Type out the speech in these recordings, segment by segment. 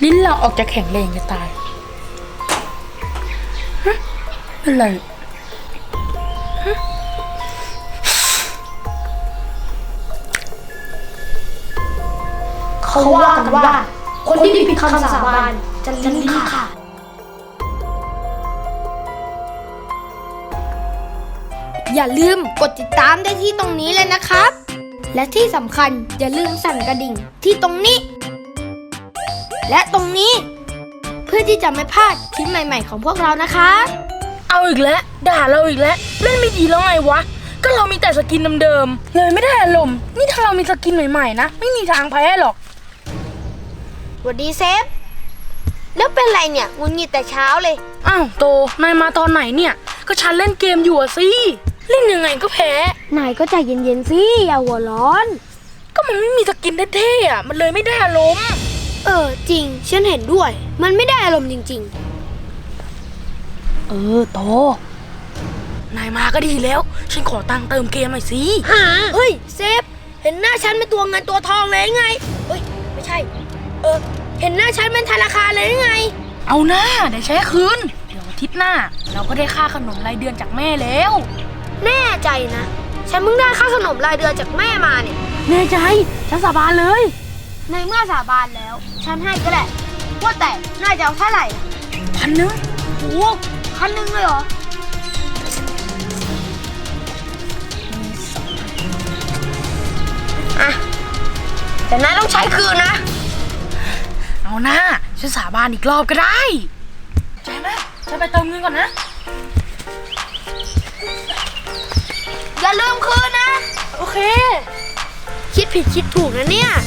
ลิ้นเราออกจะแข็งแรงจะตายฮะอะไรฮะเขาว่ากันว่าคนที่ผิดคำสาบานจะลิ้นขาดอย่าลืมกดติดตามได้ที่ตรงนี้เลยนะครับและที่สำคัญอย่าลืมสั่นกระดิ่งที่ตรงนี้และตรงนี้เพื่อที่จะไม่พลาดคลิปใหม่ๆของพวกเรานะคะเอาอีกแล้วด่าเราอีกแล้วเล่นไม่ดีแล้วไงวะก็เรามีแต่สกินเดิมๆเลยไม่ได้อารมณ์นี่ถ้าเรามีสกินใหม่ๆนะไม่มีทางแพ้หรอกสวัสดีเซฟแล้วเป็นไรเนี่ยงุนงิดแต่เช้าเลยอ้าวโตนายมาตอนไหนเนี่ยก็ฉันเล่นเกมอยู่อะสิเล่นยังไงก็แพ้นายก็ใจเย็นๆสิอย่าหัวร้อนก็มันไม่มีสกินเท่ๆอะมันเลยไม่ได้อารมณ์จริงฉันเห็นด้วยมันไม่ได้อารมณ์จริงๆโตนายมาก็ดีแล้วฉันขอตังค์เติมเกมหน่อยสิเฮ้ยเซฟเห็นหน้าฉันเป็นตัวเงินตัวทองเลยไงเฮ้ยไม่ใช่เห็นหน้าฉันเป็นธนาคารเลยไงเอาหน้าเดี๋ยวใช้คืนเดี๋ยวอาทิตย์หน้าเราก็ได้ค่าขนมรายเดือนจากแม่แล้วแน่ใจนะฉันเพิ่งได้ค่าขนมรายเดือนจากแม่มาเนี่ยแน่ใจฉันสาบานเลยในเมื่อสาบานแล้วฉันให้ก็แหละว่าแต่น่าจะเอาเท่าไหร่ 1,000 โอ้1,000เลยเหรออ่ะแต่นายต้องใช้คืนนะเอาหน้าฉันสาบานอีกรอบก็ได้ใช่ไหมฉันไปเติมเงินก่อนนะอย่าลืมคืนนะโอเคคิดผิดคิดถูกนะเนี่ย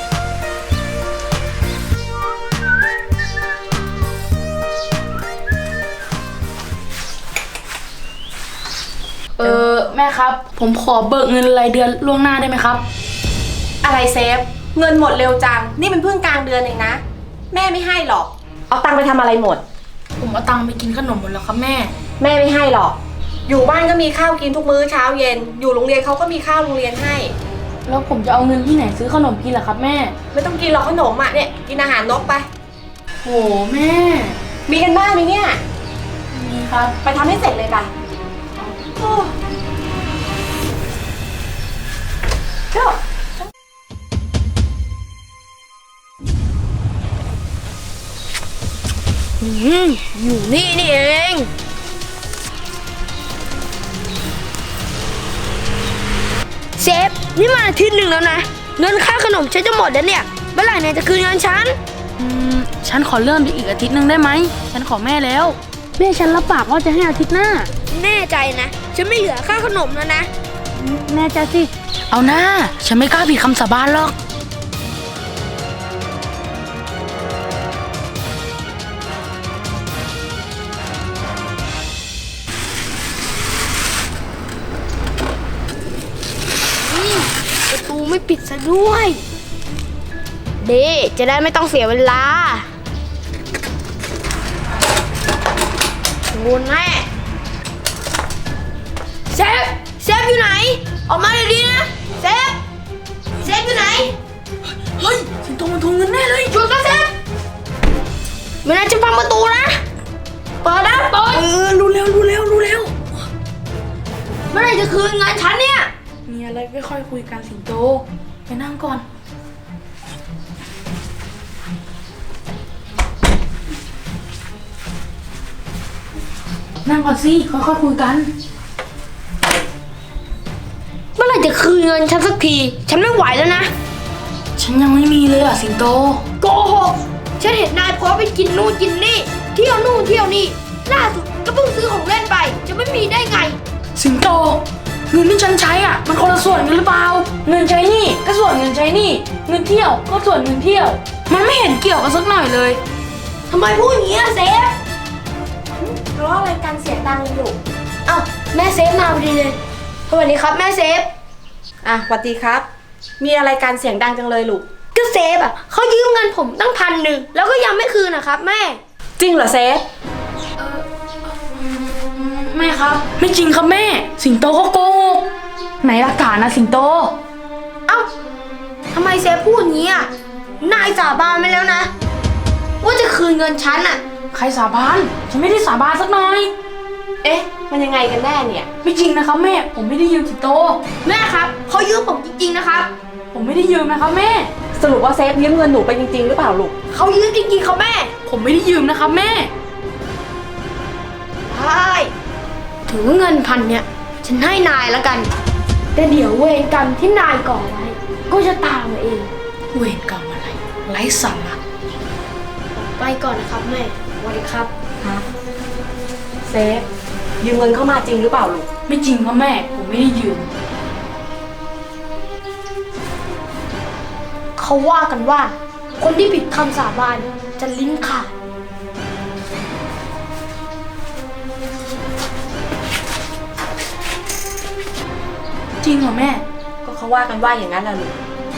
แม่ครับผมขอเบิกเงินรายเดือนล่วงหน้าได้ไหมครับอะไรเซฟเงินหมดเร็วจังนี่มันเพิ่งกลางเดือนเองนะแม่ไม่ให้หรอกเอาตังค์ไปทำอะไรหมดผมเอาตังค์ไปกินขนมหมดแล้วครับแม่ไม่ให้หรอกอยู่บ้านก็มีข้าวกินทุกมื้อเช้าเย็นอยู่โรงเรียนเขาก็มีข้าวโรงเรียนให้แล้วผมจะเอาเงินที่ไหนซื้อขนมกินล่ะครับแม่ไม่ต้องกินหรอกขนมอ่ะเนี่ยกินอาหารนกไปโหแม่มีกันบ้านไหมเนี่ยมีครับไปทำให้เสร็จเลยไปอยู่นี่เองเซฟนี่มาอาทิตย์หนึ่งแล้วนะเงินค่าขนมฉันจะหมดแล้วเนี่ยเมื่อไหร่นายจะคืนเงินฉันขอเลื่อนไปอีกอาทิตย์หนึ่งได้ไหมฉันขอแม่แล้วแม่ฉันรับปากว่าจะให้อาทิตย์หน้าแน่ใจนะฉันไม่เหลือค่าขนมแล้วนะแน่ใจสิเอาหน้าฉันไม่กล้าผิดคำสาบานหรอกประตูไม่ปิดซะด้วยจะได้ไม่ต้องเสียเวลางูแม่เซฟอยู่ไหนออกมาเลยดีนะเซฟอยู่ไหนเฮ้ยสิงโตมันทวงเงินแน่เลยหยุดนะเซฟไม่น่าจะพังประตูนะเปิดนะเปิดรู้แล้วเมื่อไหร่จะคืนเงินฉันเนี่ยมีอะไรไม่ค่อยคุยกันสิงโตไปนั่งก่อนนั่งก่อนสิค่อยๆคุยกันเมื่อไหร่จะคืนเงินฉันสักทีฉันไม่ไหวแล้วนะฉันยังไม่มีเลยอ่ะสิงโตโกหกฉันเห็นนายพอไปกินนู่นกินนี่เที่ยวนู่นเที่ยวนี่ล่าสุดก็เพิ่งซื้อของเล่นไปจะไม่มีได้ไงสิงโตเงินที่ฉันใช้อ่ะมันคนละส่วนกันหรือเปล่าเงินใช้นี่ก็ส่วนเงินใช้นี่เงินเที่ยวก็ส่วนเงินเที่ยวมันไม่เห็นเกี่ยวกันสักหน่อยเลยทำไมพูดอย่างนี้เซฟเพราะอะไรกันเสียงดังอยู่แม่เซฟมาพอดีเลยสวัสดีครับแม่เซฟสวัสดีครับมีอะไรกันเสียงดังจังเลยลูกก็เซฟเขายืมเงินผมตั้ง1,000แล้วก็ยังไม่คืนนะครับแม่จริงเหรอเซฟแม่ครับไม่จริงครับแม่สิงโตเขาโกหกไหนหลักฐานนะสิงโตทำไมเซฟพูดอย่างนี้นายสาบานไปแล้วนะนเงินฉันอะใครสาบานฉันไม่ได้สาบานสักหน่อยเอ๊ะ มันยังไงกันแน่เนี่ยไม่จริงนะครับแม่ ผมไม่ได้ยืมสิงโตแม่ครับเขายืมผมจริงๆนะครับผมไม่ได้ยืมนะครับแม่สรุปว่าเซฟยืมเงินหนูไปจริงๆหรือเปล่าลูกเขายืมจริงๆครับแม่ผมไม่ได้ยืมนะครับแม่ใช่ถือว่าเงินพันเนี่ยฉันให้นายแล้วกัน แต่เดี๋ยวเวรกรรมที่นายก่อไว้ ก็จะตามมาเองเวรกรรมอะไรไร้สาระไปก่อนนะครับแม่สวัสดีครับเซฟยืมเงินเข้ามาจริงหรือเปล่าลูกไม่จริงครับแม่ ผมไม่ได้ยืมเขาว่ากันว่า คนที่ผิดคำสาบานจะลิ้นขาดจริงเหรอแม่ก็เขาว่ากันว่าอย่างนั้นแหละลูก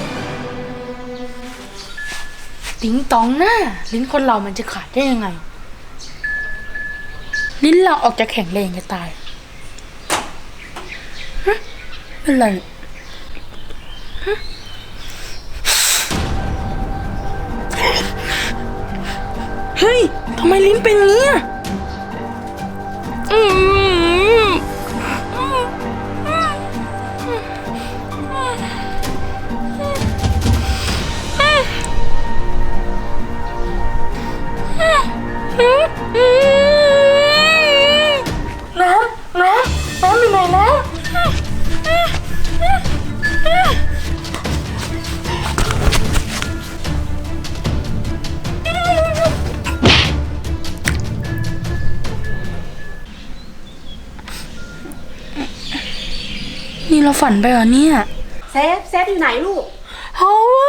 ติ๋งตองหน้า ลิ้นคนเรามันจะขาดได้ยังไง ลิ้นเราออกจะแข็งแรงจะตายฮะเป็นไรฮะเฮ้ยทำไมลิ้นเป็นอย่างนี้อ่ะน้ำอยู่ไหนแล้วนี่เราฝันไปเหรอเนี่ยเซฟอยู่ไหนลูกเขาว่า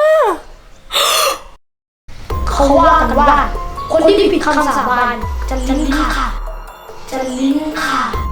เขาว่ากันว่า คนที่ผิดคำสาบานจะลิ้นขาดจะลิ้นขาด